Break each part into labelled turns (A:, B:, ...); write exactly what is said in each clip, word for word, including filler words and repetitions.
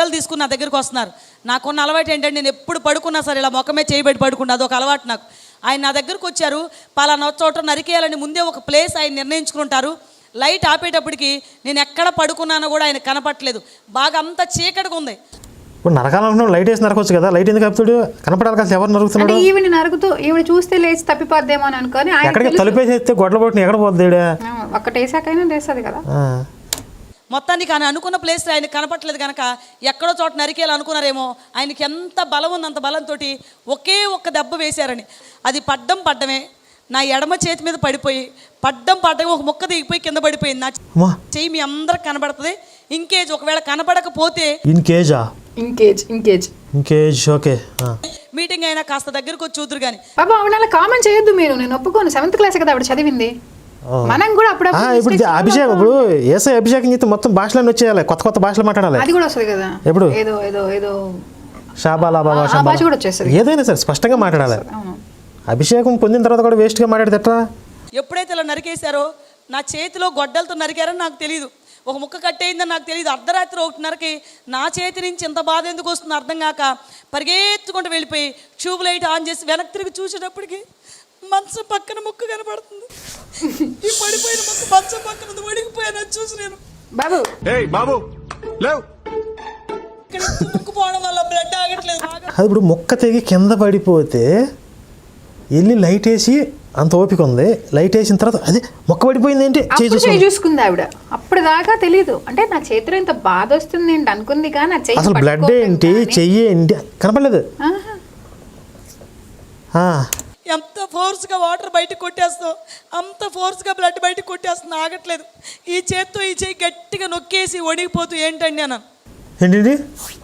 A: గొడ్డలు తీసుకుని నా దగ్గరికి వస్తున్నారు. నాకున్న అలవాటు ఏంటంటే నేను ఎప్పుడు పడుకున్నా సరే ఇలా మొక్కమే చేయబెట్టి పడుకున్నా, అదొక అలవాటు నాకు. ఆయన నా దగ్గరకు వచ్చారు, పలానా చోట నరికేయాలని ముందే ఒక ప్లేస్ ఆయన నిర్ణయించుకుంటారు. లైట్ ఆపేటప్పటికి నేను ఎక్కడ పడుకున్నానో కూడా ఆయన కనపట్లేదు, బాగా అంత చీకటిగా ఉంది.
B: ఇప్పుడు నరకాలనుకున్నాడు, లైట్ వేసి నరకొచ్చు కదా, లైట్ ఎందుకు ఆపుతాడు? కనపడాలి కదా ఎవరు నరుకుతున్నాడు.
C: ఈవిని నరుగుతూ ఈవిడ చూస్తే లేచి తప్పిపోద్దేమో అని అనుకొని
B: ఎక్కడికి తలుపేసేస్తే గొడ్ల పొట్టిన ఎక్కడ పోద్ది?
C: ఒక్కటేసాకైనా లేస్తుంది కదా.
A: మొత్తానికి ఆయన అనుకున్న ప్లేస్ ఆయన కనపట్లేదు కనుక ఎక్కడో చోట నరికేయాలి అనుకున్నారేమో. ఆయనకి ఎంత బలం ఉంది, అంత బలంతో ఒకే ఒక్క దెబ్బ వేశారని. అది పడ్డం పడ్డమే, నా ఎడమ చేతి మీద పడిపోయి పడ్డం పడ్డం ఒక ముక్క దిగిపోయి కింద పడిపోయింది. నా చెయ్యి మీ అందరికి కనబడుతుంది. ఇంకేజ్ ఒకవేళ కనపడకపోతే
B: ఇన్కేజా
C: ఇంకేజ్ ఇంకేజ్
B: ఇంకేజ్ ఓకే.
A: మీటింగ్ అయినా కాస్త దగ్గరకు వచ్చి చూదురు కానీ.
C: బాబా ఆవిడ అలా కామెంట్ చేయొద్దు మీరు, నేను ఒప్పుకోను. సెవెంత్ క్లాస్ కదా ఆవిడ చదివింది, మనం కూడా అప్పుడప్పుడు.
B: ఇప్పుడు అభిషేకం, ఇప్పుడు ఏసై అభిషేకం చేస్తే మొత్తం భాషలను వచ్చేయాలి, కొత్త కొత్త భాషలు మాట్లాడాలి.
C: అది కూడా వస్తుంది కదా.
B: ఎప్పుడు
C: ఏదో ఏదో ఏదో
B: షాబాలా బాబా
C: భాష కూడా వచ్చేస్తుంది.
B: ఏదైనా సరే స్పష్టంగా మాట్లాడాలి. అభిషేకం పొందిన తర్వాత కూడా వేస్ట్గా మాట్లాడితే
A: ఎప్పుడైతే ఇలా నరికేశారో నా చేతిలో గొడ్డలతో నరికారని నాకు తెలియదు, ఒక ముక్క కట్టేయిందని నాకు తెలియదు. అర్ధరాత్రి ఒకటిన్నరకి నా చేతి నుంచి ఇంత బాధ ఎందుకు వస్తుందో అర్థం కాక పరిగెత్తుకుంటూ వెళ్ళిపోయి ట్యూబ్ లైట్ ఆన్ చేసి వెనక్కి తిరిగి చూసేటప్పటికి మంచం పక్కన ముక్క కనపడుతుంది. ఈ పడిపోయిన ముక్క మంచం పక్కన వడిగిపోయాను చూసి నేను
C: బాబు
D: బాబు
A: ఇక్కడ ముక్కు పోవడం వల్ల బ్లడ్ ఆగట్లేదు.
B: అది ఇప్పుడు మొక్క తెగి కింద పడిపోతే వెళ్ళి లైట్ వేసి అంత ఓపిక ఉంది, లైట్ వేసిన తర్వాత అదే మొక్క పడిపోయింది ఏంటి
C: చేయి చూసుకుంది ఆవిడ. అప్పుడు దాకా తెలీదు, అంటే నా చేతిలో ఇంత బాధ వస్తుంది ఏంటి అనుకుంది కానీ
B: అసలు బ్లడ్ ఏంటి చెయ్యి ఏంటి కనపడలేదు.
A: ఎంత ఫోర్స్గా వాటర్ బయటకు కొట్టేస్తావు అంత ఫోర్స్గా బ్లడ్ బయటకు కొట్టేస్తుంది, ఆగట్లేదు. ఈ చేత్తో ఈ చేయి గట్టిగా నొక్కేసి వణిగిపోతూ ఏంటండి అన్న
B: ఏంటి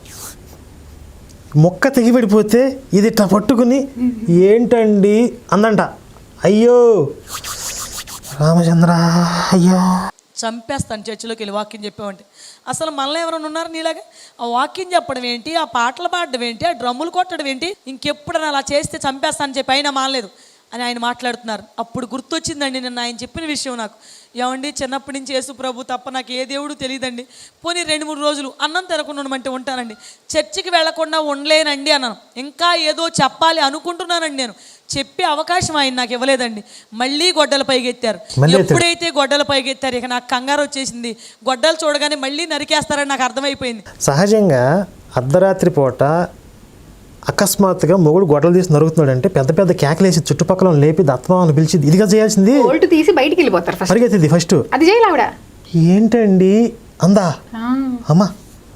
B: మొక్క తెగి పడిపోతే ఇది ఇట్లా పట్టుకుని ఏంటండి అందంట. అయ్యో రామచంద్ర అయ్యో
A: చంపేస్తాను చర్చిలోకి వెళ్ళి వాక్యం చెప్పామంటే. అసలు మనలో ఎవరైనా ఉన్నారు నీలాగా? ఆ వాక్యం చెప్పడం ఏంటి, ఆ పాటలు పాడడం ఏంటి, ఆ డ్రమ్ములు కొట్టడం ఏంటి, ఇంకెప్పుడైనా అలా చేస్తే చంపేస్తానని చెప్పి అయినా మానలేదు అని ఆయన మాట్లాడుతున్నారు. అప్పుడు గుర్తొచ్చిందండి నిన్న ఆయన చెప్పిన విషయం నాకు. ఏమండి చిన్నప్పటి నుంచి యేసు ప్రభు తప్ప నాకు ఏ దేవుడు తెలియదండి, పోనీ రెండు మూడు రోజులు అన్నం తినకుండా ఉండమంటే ఉంటానండి, చర్చికి వెళ్లకుండా ఉండలేనండి అన్నాను. ఇంకా ఏదో చెప్పాలి అనుకుంటున్నానండి నేను, చెప్పే అవకాశం ఆయన నాకు ఇవ్వలేదండి. మళ్ళీ గొడ్డల పైకెత్తారు. ఎప్పుడైతే గొడ్డల పైకెత్తారు ఇక నాకు కంగారు వచ్చేసింది. గొడ్డలు చూడగానే మళ్ళీ నరికేస్తారని నాకు అర్థమైపోయింది.
B: సహజంగా అర్ధరాత్రి పూట అకస్మాత్తుగా మొగుడు గొడ్డలు తీసి నరుగుతున్నాడు అంటే పెద్ద పెద్ద కేకలేసి చుట్టుపక్కల లేపి దత్తమామని పిలిచి ఇదిగా చేయాల్సింది
C: తీసి బయటికి వెళ్ళిపోతారు
B: పరిగెత్తింది ఫస్ట్.
C: అది చేయాలి ఆవిడ.
B: ఏంటండి అందా అమ్మా.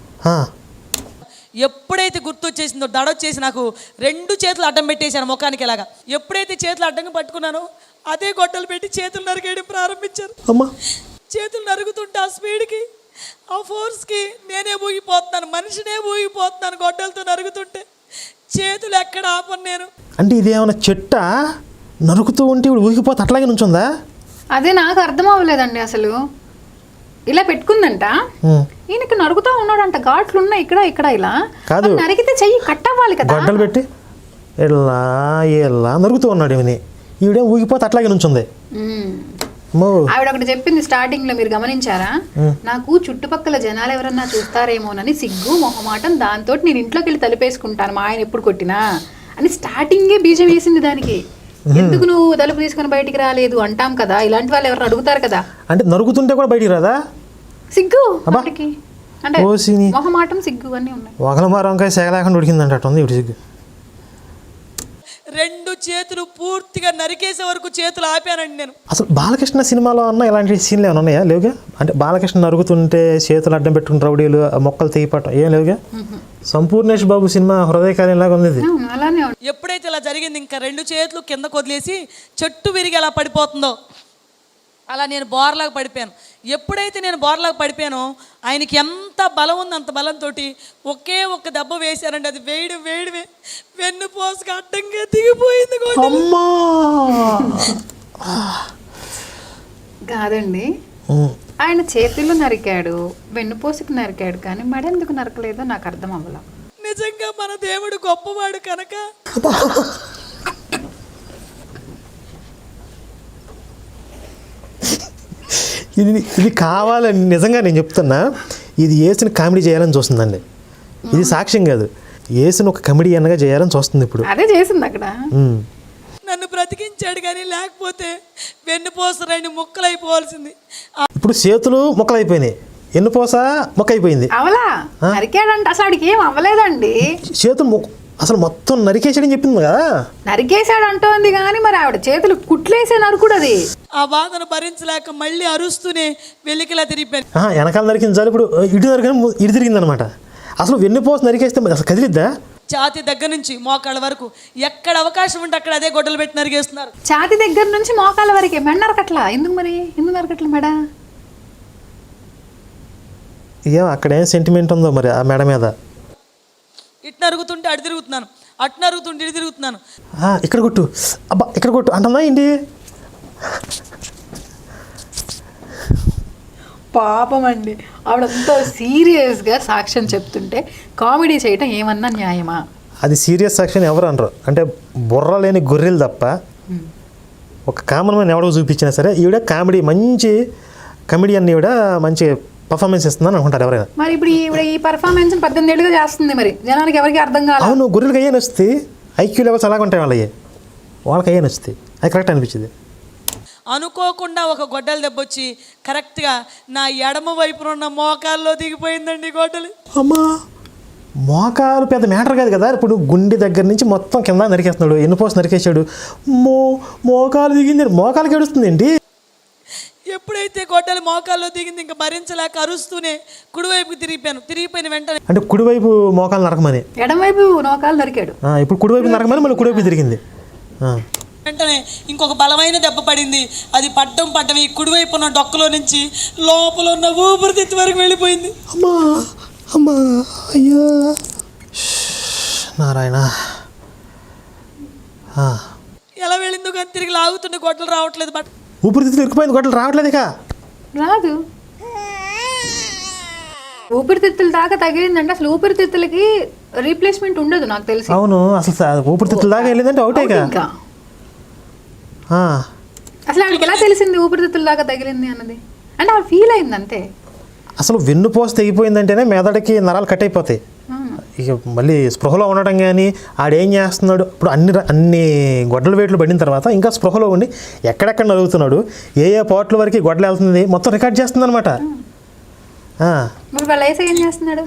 A: ఎప్పుడైతే గుర్తొచ్చేసిందో దడొచ్చేసి నాకు రెండు చేతులు అడ్డం పెట్టేశాను ముఖానికి ఇలాగా. ఎప్పుడైతే చేతులు అడ్డంగా పట్టుకున్నానో అదే గొడ్డలు పెట్టి చేతులు నరికేయడం ప్రారంభించారు.
B: అమ్మా
A: చేతులు నరుగుతుంటే ఆ స్పీడ్కి ఆ ఫోర్స్కి నేనే ఊగిపోతున్నాను, మనిషినే ఊగిపోతున్నాను గొడ్డలతో నరుగుతుంటే. చేతులు ఎక్కడ ఆపను నేను.
B: అంటే ఇదేమన్నా చెట్ట నరుకుతూ ఉంటే ఇప్పుడు ఊగిపోతే అట్లాగే నుంచుందా?
C: అదే నాకు అర్థం అవ్వలేదండి. అసలు ఇలా పెట్టుకుందంట, ఈయనకి నరుగుతూ ఉన్నాడంట, ఘాట్లు ఉన్నాయి ఇక్కడ ఇక్కడ. ఇలా
B: కాదు
C: నరికితే చెయ్యి కట్ అవ్వాలి కదా,
B: గొడ్డలు పెట్టి ఇలా ఇలా నరుగుతూ ఉన్నాడు. ఈమెని ఈవిడే ఊగిపోతే అట్లాగే నుంచుంది.
C: ఆవిడ ఒకటి చెప్పింది స్టార్టింగ్ లో, మీరు గమనించారా? నాకు చుట్టుపక్కల జనాలు ఎవరన్నా చూస్తారేమోనని సిగ్గు మొహమాటం, దాంతో నేను ఇంట్లోకి వెళ్ళి తలుపేసుకుంటాను మా ఆయన ఎప్పుడు కొట్టినా అని స్టార్టింగే బీజం వేసింది దానికి. ఎందుకు నువ్వు తలుపు తీసుకుని బయటికి రాలేదు అంటాం కదా, ఇలాంటి వాళ్ళు ఎవరు అడుగుతారు కదా.
B: అంటే నరుగుతుంటే కూడా బయటికి రాదా?
C: సిగ్గు అంటే మొహమాటం సిగ్గు అన్నీ ఉన్నాయి.
B: ఒకల మారంకాయ సేగలేకుండా ఉడికిందంట అట్టుంది ఇప్పుడు సిగ్గు.
A: రెండు చేతులు పూర్తిగా నరికేసే వరకు చేతులు ఆపానండి నేను.
B: అసలు బాలకృష్ణ సినిమాలో అన్న ఇలాంటి సీన్లు ఏమైనా ఉన్నాయా? లేవుగా. అంటే బాలకృష్ణ నరుగుతుంటే చేతులు అడ్డం పెట్టుకుని రౌడీలు మొక్కలు తెగిపట్టం ఏం లేవుగా. సంపూర్ణేష్ బాబు సినిమా హృదయకాలంలాగా ఉంది.
A: ఎప్పుడైతే ఇలా జరిగింది ఇంకా రెండు చేతులు కింద వదిలేసి చెట్టు విరిగి ఎలా పడిపోతుందో అలా నేను బోర్లాగా పడిపోయాను. ఎప్పుడైతే నేను బోర్లాగా పడిపోయానో ఆయనకి ఎంత బలం ఉంది అంత బలంతో ఒకే ఒక్క దెబ్బ వేశారండి. అది వేడి వేడివే వెన్ను పోసుకు అడ్డంగా దిగిపోయింది.
C: కాదండి, ఆయన చేతులు నరికాడు, వెన్నుపోసుకు నరికాడు, కానీ మడెందుకు నరకలేదో నాకు అర్థం అవ్వలా.
A: నిజంగా మన దేవుడు గొప్పవాడు కనుక
B: ఇది ఇది కావాలని నిజంగా నేను చెప్తున్నా, ఇది వేసిన కామెడీ చేయాలని చూస్తుందండి. ఇది సాక్ష్యం కాదు, యేసుని ఒక కమెడియన్గా చేయాలని చూస్తుంది ఇప్పుడు.
C: అదే చేసింది అక్కడ.
B: ఉమ్.
A: నన్ను బ్రతికించాడు కానీ లేకపోతే వెన్నుపోస రెండు ముక్కలు అయిపోవాల్సింది.
B: ఇప్పుడు చేతులు మొక్కలైపోయినాయి, ఎన్నుపోస మొక్క అయిపోయింది.
C: అవలా నరికాడంట, అసలు ఆడికి ఏం అవ్వలేదండి.
B: చేతులు మొ- అసలు మొత్తం నరికేసాడని చెప్పింది కదా.
C: నరికేశాడు అంటోంది కానీ మరి ఆవిడ చేతులు కుట్లేసే నరుకుడు అది.
A: ఆ బాధను భరించలేక మళ్ళీ అరుస్తూనే వెలికిలా తిరిగిపోయాను.
B: ఆహా, వెనకాల నరికింది చాలు, ఇప్పుడు ఇటు నరికని ఇటు తిరిగిందనమాట. అసలు వెన్నుపోస నరికేస్తే మరి అసలు కదిలిద్దా?
A: ఛాతి దగ్గర నుంచి మోకాళ్ళ వరకు ఎక్కడ అవకాశం ఉంటే అక్కడ అదే గొడ్డలు పెట్టి నరిగేస్తున్నారు.
C: ఛాతి దగ్గర నుంచి మోకాళ్ళ వరకే. మెడ నరకట్లా ఎందుకు మరి? ఎందుకు నరకట్లా మెడ?
B: ఏం అక్కడేం సెంటిమెంట్ ఉందో మరి ఆ మెడ మీద.
A: ఇటు నరుగుతుంటే అటు తిరుగుతున్నాను, అటు నరుగుతుంటే ఇటు తిరుగుతున్నాను.
B: ఆ, ఇక్కడ కొట్టు, అబ్బా ఇక్కడ కొట్టు అంటుందా ఏంటి?
C: పాపం అండి, ఆవిడంతా సీరియస్గా సాక్ష్యం చెప్తుంటే కామెడీ చేయటం ఏమన్నా న్యాయమా?
B: అది సీరియస్ సెక్షన్ ఎవరు అనరు, అంటే బుర్ర లేని గొర్రెలు తప్ప ఒక కామన్ మ్యాన్ ఎవడో చూపించినా సరే ఈవిడ కామెడీ మంచి కమెడియన్, ఈవిడ మంచి పర్ఫార్మెన్స్ ఇస్తుందని అనుకుంటారు ఎవరైనా.
C: మరి ఇప్పుడు ఈవిడ ఈ పర్ఫార్మెన్స్ పద్దెనిమిది ఏళ్ళుగా చేస్తుంది, మరి జనానికి ఎవరికి అర్థం కాదు.
B: అవును, గొర్రెలకి అయ్యే నచ్చుతాయి, ఐక్యూ లెవెల్స్ అలాగే ఉంటాయి వాళ్ళకి, వాళ్ళకి అయ్యే నచ్చుతాయి, అది కరెక్ట్ అనిపించింది.
A: అనుకోకుండా ఒక గొడ్డలు దెబ్బొచ్చి కరెక్ట్గా నా ఎడమ వైపున ఉన్న మోకాల్లో దిగిపోయిందండి గొడ్డలి.
B: అమ్మా, మోకాలు పెద్ద మ్యాటర్ కాదు కదా. ఇప్పుడు గుండె దగ్గర నుంచి మొత్తం కింద నరికేస్తున్నాడు, ఎన్నుపోసి నరికేసాడు, మో మోకాలు దిగింది, మోకాలు గడుస్తుంది ఏంటి?
A: ఎప్పుడైతే గొడ్డలి మోకాల్లో దిగింది ఇంకా భరించలేక అరుస్తూనే కుడివైపుకి తిరిగిపోయాను. తిరిగిపోయిన వెంటనే
B: అంటే కుడివైపు మోకాలు నరకమని,
C: ఎడమవైపు నోకాలు నరికాడు.
B: ఆ, ఇప్పుడు కుడివైపు నరకమని మళ్ళీ కుడివైపు తిరిగింది. ఆ.
A: వెంటనే ఇంకొక బలమైన దెబ్బ పడింది. అది పడ్డం పడ్డం ఈ కుడివైపు ఉన్న డొక్కలో నుంచి లోపల ఉన్న ఊపిరితిత్తు వరకు వెళ్ళిపోయింది.
B: అమ్మా అమ్మా అయ్యా నారాయణ. ఆ.
A: ఎలా వెళ్ళిందో కానీ తిరిగి లాగుతుండే గొడ్డలు రావట్లేదు. బట్
B: ఊపిరితిత్తులు ఇరుక్కుపోయింది, గొడ్డలు రావట్లేదు ఇక.
C: రాదు, ఊపిరితిత్తుల దాకా తగిలిందంటే అసలు ఊపిరితిత్తులకి రీప్లేస్మెంట్ ఉండదు నాకు తెలిసి.
B: అవును, అసలు స- ఊపిరితిత్తుల దాకా వెళ్ళిందంటే అవుటే ఇక.
C: ఇంకా
B: ఆ.
C: అసలు ఆవిడకి ఎలా తెలిసింది ఊపిరితిత్తుల దాకా తగిలింది అన్నది? అంటే ఆవిడ ఫీల్ అయింది అంతే.
B: అసలు వెన్నుపోస తెగిపోయిందంటేనే మెదడుకి నరాలు కట్ అయిపోతాయి. ఇక మళ్ళీ స్పృహలో ఉండటం కానీ ఆడేం చేస్తున్నాడు, ఇప్పుడు అన్ని ర- అన్ని గొడ్డల వేట్లు పడిన తర్వాత ఇంకా స్పృహలో ఉండి ఎక్కడెక్కడ నలుగుతున్నాడు, ఏ ఏ పాటల వరకు గొడ్డలు వెళ్తుంది మొత్తం రికార్డ్ చేస్తుంది అనమాట.
C: మరి వాళ్ళ ఏసై ఏం చేస్తున్నాడు?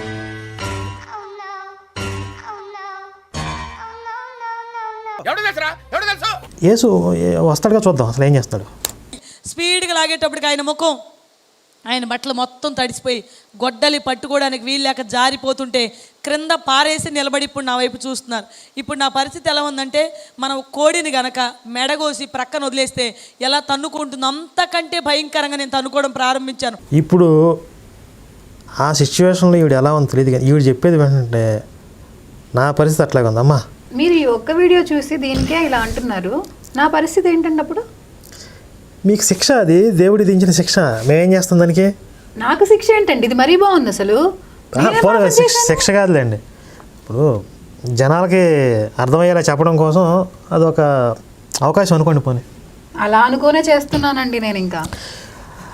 B: యేసు ఏ- వస్తాడుగా, చూద్దాం అసలు ఏం చేస్తాడు.
A: స్పీడ్గా లాగేటప్పటికి ఆయన ముఖం, ఆయన బట్టలు మొత్తం తడిసిపోయి గొడ్డలి పట్టుకోవడానికి వీల్లేక జారిపోతుంటే క్రింద పారేసి నిలబడి ఇప్పుడు నా వైపు చూస్తున్నారు. ఇప్పుడు నా పరిస్థితి ఎలా ఉందంటే మనం కోడిని గనక మెడగోసి ప్రక్కన వదిలేస్తే ఎలా తన్నుకుంటుందో అంతకంటే భయంకరంగా నేను తన్నుకోవడం ప్రారంభించాను.
B: ఇప్పుడు ఆ సిచ్యువేషన్లో ఈవిడ ఎలా ఉందో తెలియదు కానీ ఈవిడ చెప్పేది ఏంటంటే నా పరిస్థితి అట్లాగే ఉంది. అమ్మా,
C: మీరు ఈ ఒక్క వీడియో చూసి దీనికే ఇలా అంటున్నారు, నా పరిస్థితి ఏంటంటే అప్పుడు
B: మీకు శిక్ష, అది దేవుడి దించిన శిక్ష, మేమేం చేస్తాం దానికి?
C: నాకు శిక్ష ఏంటండి? ఇది మరీ బాగుంది అసలు.
B: ఆ, పోనీ శిక్ష శిక్ష కాదులేండి, ఇప్పుడు జనాలకి అర్థమయ్యేలా చెప్పడం కోసం అదొక అవకాశం అనుకోండి. పోనీ
C: అలా అనుకోనే చేస్తున్నానండి నేను. ఇంకా